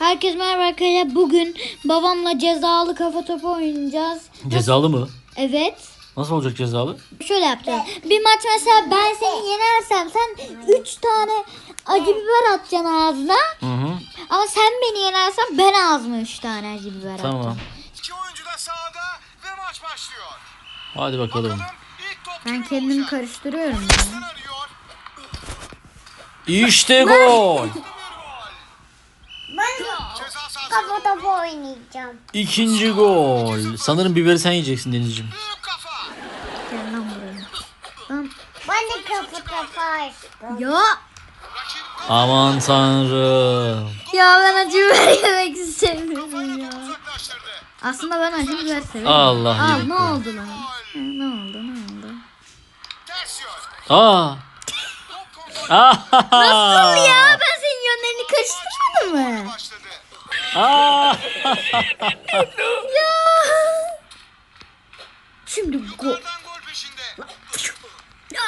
Herkese merhaba arkadaşlar. Bugün babamla cezalı kafa topu oynayacağız. Cezalı mı? Evet. Nasıl olacak cezalı? Şöyle yapacağız. Bir maç mesela ben seni yenersem sen 3 tane acı biber atacaksın ağzına. Hı. Ama sen beni yenersen ben ağzıma 3 tane acı biber atacağım. Tamam. İki oyuncu da sahada ve maç başlıyor. Hadi bakalım. İlk top Ben kimin kendimi olacak? karıştırıyorum. Sen Ya. arıyor. İşte gol. Ceza sahası. Kafa topu oynayacağım. İkinci gol. Sanırım biberi sen yiyeceksin Denizciğim. Büyük kafa. Gel lan buraya. Lan. Ben de kafa topu açtım. Ya. Rakip Aman tanrım. Ya ben acı biber yemek istemiyorum ya. uzaklaştırdı. Aslında ben acı biber severim. Allah Al yedik ne gol. oldu lan? Ne oldu? Ters yön. Aa. Top kontrolü Nasıl ya? Ben senin yönlerini karıştırmadım mı? başladı. Aa. Ya. Şimdi gol. Oradan gol peşinde. Ya.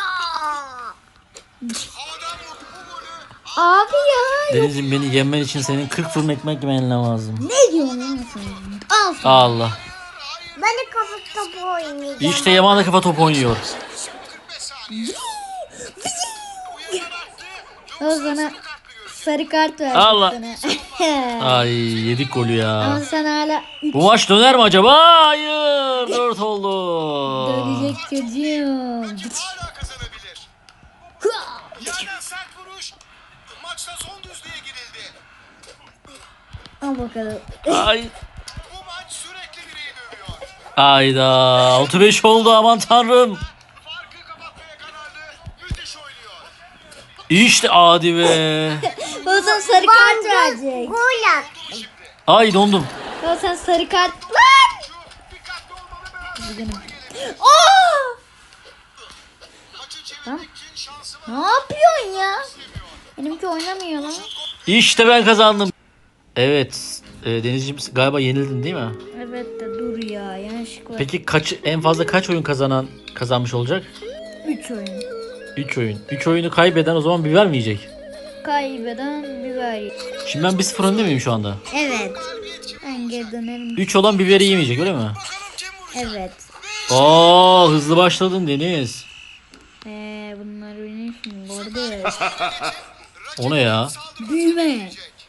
Havadan vurdu bu golü. Abi ya. Denizciğim beni yenmen için senin 40 fırın ekmek yemen lazım. Ne diyorsun lan sen? Al sana. Allah. Hayır. Ben de kafa topu oynayacağım. İşte Yaman da kafa topu oynuyor. 45 saniye. Uyanan attı. O Yoksa sana sarı kartlı görüyor. sarı kart verdim Allah. sana. Ay yedik golü Ama ya. sen hala 3 Bu maç döner mi acaba? Hayır. 4 oldu. dönecek çocuğum. Hala kazanabilir. Yerden sert vuruş. Maçta son düzlüğe girildi. Al bakalım. Ay. Bu maç sürekli bireyi dövüyor. Ayda 6-5 oldu aman tanrım. Farkı kapatmaya kararlı. Müthiş oynuyor. İşte adi be. O sana sarı kart verecek. Gol at. Şimdi Ay dondum. O sen sarı kart. Lan! şu dikkatli olmalı biraz. Aa! Maçı çevirmek için şansı var. Ne yapıyorsun ya? Benimki oynamıyor lan. İşte ben kazandım. Evet. Denizciğim galiba yenildin değil mi? Evet de dur ya yanlışlıkla. Peki en fazla kaç oyun kazanmış olacak? 3 oyun. 3 oyun. 3 oyunu kaybeden o zaman biber mi yiyecek? Kaybeden biber. Şimdi ben 1-0 önde miyim şu anda? Evet. Ben geri dönerim. 3 olan biberi yemeyecek öyle mi? Bakalım kim vuracak? Evet. Oo hızlı başladın Deniz. Bunlar benim için kardeş. O ne ya? Büyüme.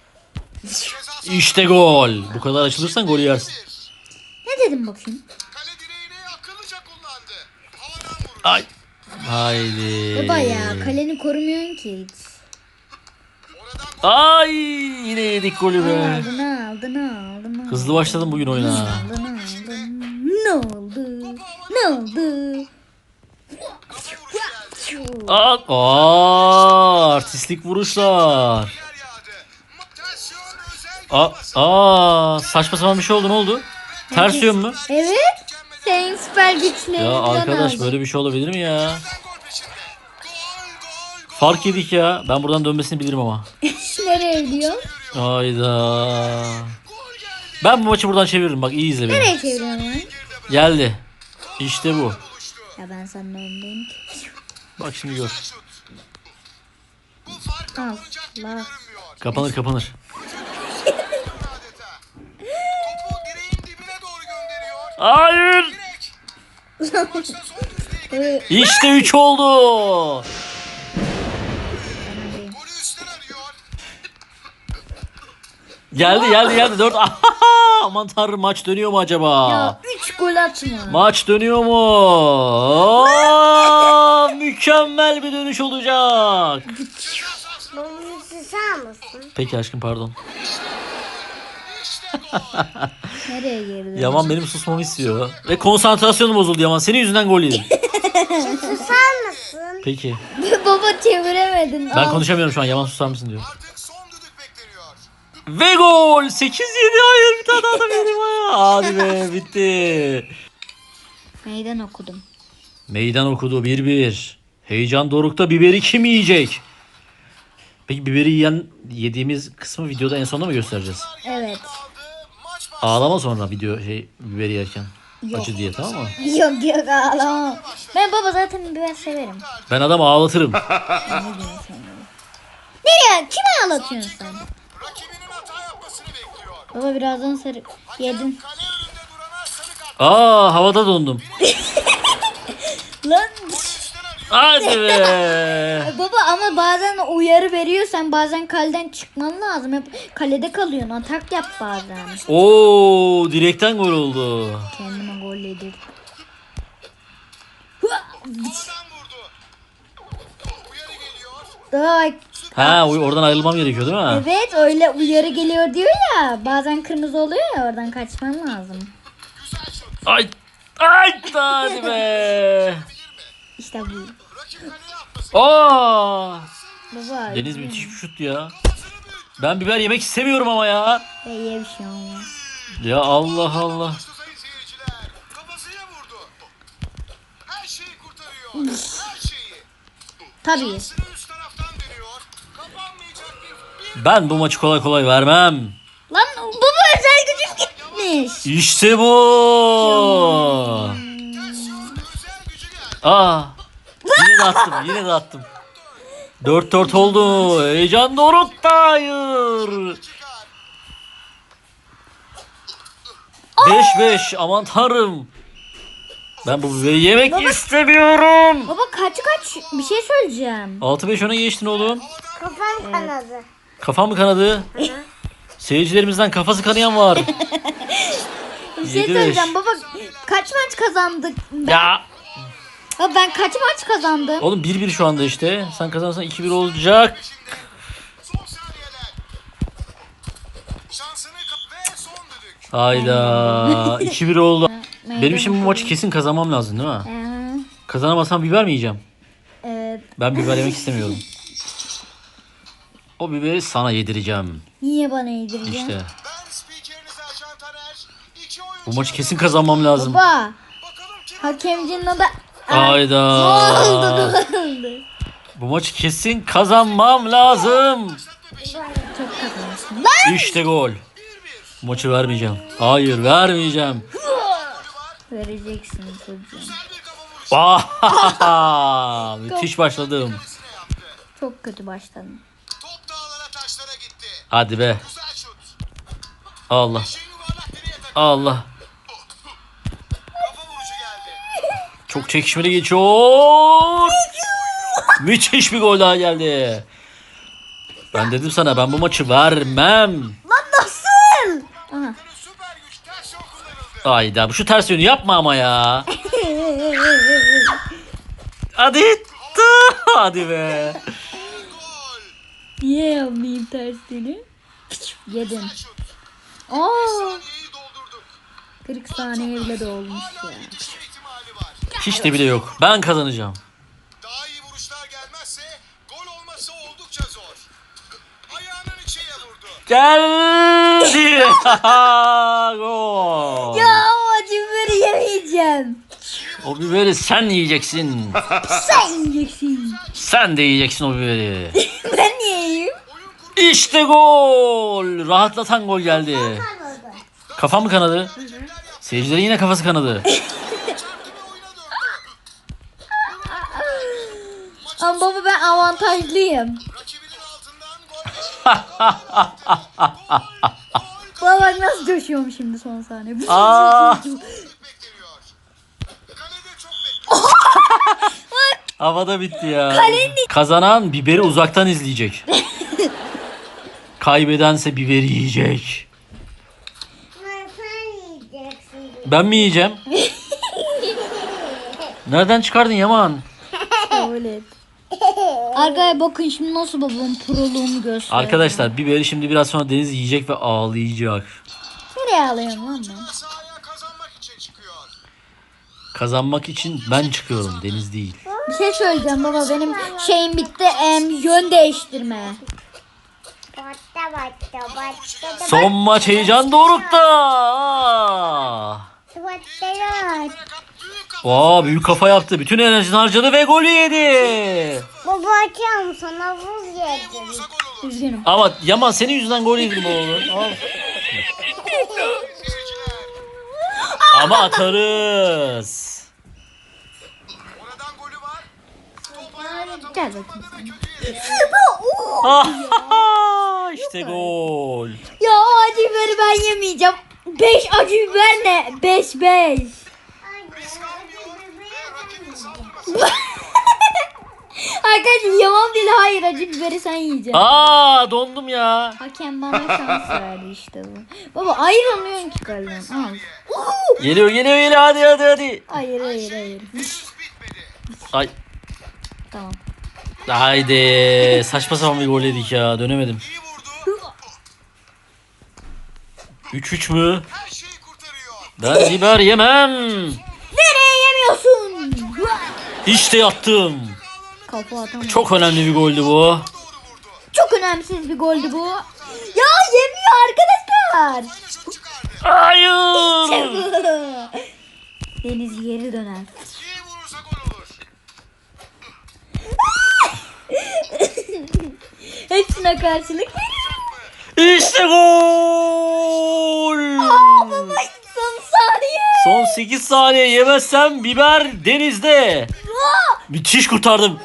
İşte gol. Bu kadar açılırsan golü yersin. Ne dedim bakayım? Kale direğini akıllıca kullandı. Havadan vuruş. Ay. Haydi. Baba ya kaleni korumuyorsun ki hiç. Oradan Ay yine yedik golü be. Aldın. Hızlı başladım bugün oyuna. Aldın. Ne oldu? Ne oldu? kafa vuruş geldi. Artistlik vuruşlar. Yer yağdı. Ters yön özel Saçma sapan bir şey oldu, ne oldu? Ters yön mü? Evet. Senin süper güçlerini Ya falan arkadaş aldın. böyle bir şey olabilir mi ya? gol peşinde. Gol. Fark yedik ya. Ben buradan dönmesini bilirim ama. Nereye gidiyor? Hayda. Ben bu maçı buradan çeviririm, bak iyi izle beni. Nereye çeviriyorsun lan? Geldi. İşte bu. Ya ben senden öndeyim ki. Bak şimdi gör. Bu fark Al. kapanacak gibi Bak. görünmüyor. Kapanır. Adeta. Topu direğin dibine doğru gönderiyor. Hayır. Direk. Maçta son düzlüğe girildi. İşte 3 oldu. Golü üstten arıyor. Geldi 4. Aman tanrım, maç dönüyor mu acaba? Ya 3 gol atma. Maç dönüyor mu? Mükemmel bir dönüş olacak. Bunu susar mısın? Peki aşkım, pardon. İşte gol. Nereye girdi? Yaman benim susmamı istiyor. Ve konsantrasyonum bozuldu Yaman. Senin yüzünden gol yedim. Susar mısın? Peki. Baba çeviremedin. Ben Al. konuşamıyorum şu an. Yaman susar mısın diyor. Artık son düdük bekleniyor. Ve gol. 8-7. Hayır, bir tane daha da benim ya. Hadi be, bitti. Meydan okudum. Meydan okudu 1-1. Heyecan dorukta, biberi kim yiyecek? Peki biberi yediğimiz kısmı videoda en sonunda mı göstereceğiz? Evet. Maç Ağlama sonra biberi yerken. Acı diye, tamam mı? Yok ağlama. Ben baba zaten biber severim. Ben adamı ağlatırım. Nereye? Kime ağlatıyorsun sen? rakibinin hata yapmasını bekliyor. Baba birazdan sarı yedin. Kale önünde durana sarı kart. Havada dondum. Lan Üstten arıyor. Hadi be. baba ama bazen uyarı veriyorsan bazen kaleden çıkman lazım. Hep kalede kalıyorsun. Atak yap bazen. Oo, direkten gol oldu. Kendime gol yedim. Havadan vurdu. Uyarı geliyor. Daha Oradan ayrılmam gerekiyor değil mi? evet öyle uyarı geliyor diyor ya. Bazen kırmızı oluyor ya oradan kaçman lazım. Güzel şut. Ay. Hadi be. İşte bu. Rakip kaleye atması. Baba. Deniz müthiş bir şut ya. Ben biber yemek istemiyorum ama ya. İyi bir şey olmaz. Ya Allah Allah. Sayın seyirciler. Kafasıya vurdu. Her şeyi kurtarıyor. Her şeyi. Tabii. Sını üst taraftan dönüyor. Kapanmayacak bir Ben bu maçı kolay kolay vermem. Lan baba özel gücüm gitmiş. İşte bu. özel gücü geldi. Yine de attım. 4-4 oldu. Heyecan dorukta. Hayır. Çıkar. 5-5. Aman tanrım. Ben bu biberi yemek istemiyorum. Baba kaç bir şey söyleyeceğim. 6-5 öne geçtin oğlum. Kafam kanadı. Kafam mı kanadı? Seyircilerimizden kafası kanayan var. Bir şey 7-5. söyleyeceğim baba kaç maç kazandık? Ya. Baba ben kaç maç kazandım? Oğlum 1-1 şu anda işte. Sen kazanırsan 2-1 olacak. Son saniyeler. Şansını ve son düdük. Hayda. 2-1 oldu. Benim şimdi bu maçı kesin kazanmam lazım değil mi? Kazanamazsam biber mi yiyeceğim? Evet. Ben biber yemek istemiyorum. O biberi sana yedireceğim. Niye bana yedireceksin? İşte. Ben spikeriniz Ercan Taner. İki oyuncu. Bu maçı kesin kazanmam lazım. Baba Bakalım kim hakemcinin adı... Hayda. Ne oldu? Bu maçı kesin kazanmam lazım. Çok kazanmışsın. Lan! İşte gol. Bu maçı vermeyeceğim. Hayır vermeyeceğim. Vereceksin çocuğum. bir kafa vuruşu Müthiş başladım. yaptı. Çok kötü başladın. Top dağlara taşlara gitti. Hadi be. Güzel şut. Allah. Şey yuvarlak direğe takıldı. Allah. Kafa vuruşu geldi. Çok çekişmeli geçiyor. Müthiş bir gol daha geldi. Ben dedim sana ben bu maçı vermem. Lan nasıl? Aha. Süper güç ters yol kullanıldı. Hayda şu ters yönü yapma ama ya. Hadi. Hadi be. Gol. Niye yapmayayım tersini? Yedim. Şut. Aa, Saniyeyi doldurduk. 40 saniye bile dolmuş Hala ya. yetişme ihtimali var. Hiç de bile yok. Ben kazanacağım. Daha iyi vuruşlar gelmezse gol olması oldukça zor. Ayağının içiye vurdu. Geldi. Gol. Ya o acı biberi yemeyeceğim. O biberi sen yiyeceksin. Sen yiyeceksin. Sen de yiyeceksin o biberi. Ben niye yiyeyim? İşte gol. Rahatlatan gol geldi. Kafam mı kanadı? Seyircilerin yine kafası kanadı. Ama baba ben avantajlıyım. Rakibinin altından gol Baba bak nasıl coşuyorum şimdi son saniye. Aa, bekleniyor. Kalede çok havada bitti ya. Kazanan biberi uzaktan izleyecek. Kaybedense biberi yiyecek. Sen yiyeceksin. Ben mi yiyeceğim? Nereden çıkardın Yaman? Kabul et. Arkadaşlar bakın şimdi nasıl babamın proluğunu gösteriyor. Arkadaşlar biberi şimdi biraz sonra Deniz yiyecek ve ağlayacak. Nereye alıyorum lan ben? sahaya kazanmak için çıkıyor. Kazanmak için ben çıkıyorum, Deniz değil. Bir şey söyleyeceğim baba benim şeyim bitti yön değiştirme. Batta. Son maç heyecan dorukta. Aa, büyük kafa yaptı. Bütün enerjisini harcadı ve golü yedi. Baba açıyorum sana buz yedim. Olursa gol olur. Üzgünüm. Ama Yaman senin yüzünden gol yedim oğlum. Al. Seyirciler. Ama atarız. Oradan golü var. Top ayağına tam Gel bakayım ve sen. kötü yedi. İşte gol. Ya o acı biberi ben ben yemeyeceğim. 5 acı biber ne? 5. Risk almıyor ve rakibin saldırmasına Arkadaşlar yalan değil, hayır, acı biberi sen yiyeceksin. Aa dondum ya. Hakem bana şans verdi işte bu. Baba ayrılmıyorsun ki kaleden. Al. Geliyor hadi. Hayır. henüz bitmedi. Ay. Tamam. Haydi. Saçma sapan bir gol yedik ya. Dönemedim. İyi vurdu. 3-3 mü? Her şeyi kurtarıyor. Ben biber yemem. Nereye yemiyorsun? İşte yattım. Kafa atamam. Çok önemli bir goldü bu. Doğru vurdu. Çok önemsiz bir goldü bu. Ya yemiyor arkadaşlar. Dışarı çıkardı. Hayır. Deniz geri döner. İyi vurursa gol olur. Hepsine karşılık. İşte gol. Son saniye. Son 8 saniye yemezsem biber denizde. Müthiş kurtardım.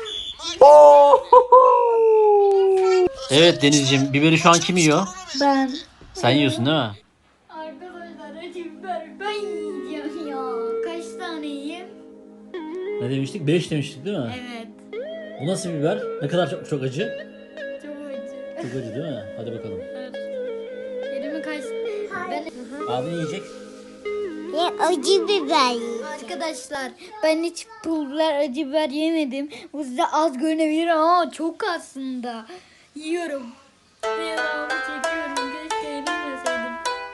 Evet Denizciğim, biberi şu an kim yiyor? Ben. Sen yiyorsun değil mi? Arkadaşlar acı biber ben yiyeceğim ya. Kaç tane yiyeyim? Ne demiştik? 5 demiştik değil mi? Evet. Bu nasıl biber? Ne kadar çok acı? Çok acı. Çok acı değil mi? Hadi bakalım. Elimi kaç... Ben... Abi ne yiyecek? Ya acı biber. Arkadaşlar ben hiç pul biber, acı biber yemedim. Bu size az görünebilir ama çok aslında. Yiyorum. Devamlı çekiyorum. Keşke yemeseydim.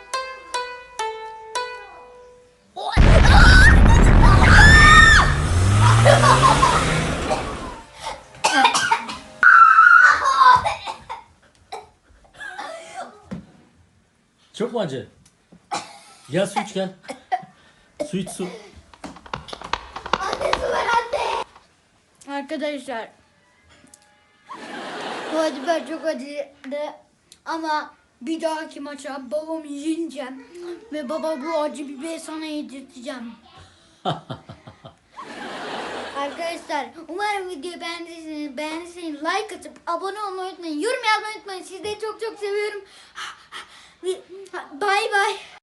Çok mu acı? Gel su iç gel. Su iç su. Arkadaşlar bu acı biber çok acıydı ama bir dahaki maça babamı yeneceğim ve baba bu acı biberi sana yedirteceğim. Arkadaşlar umarım videoyu beğendiyseniz like atıp abone olmayı unutmayın, yorum yazmayı unutmayın, sizleri çok çok seviyorum. Bay bay.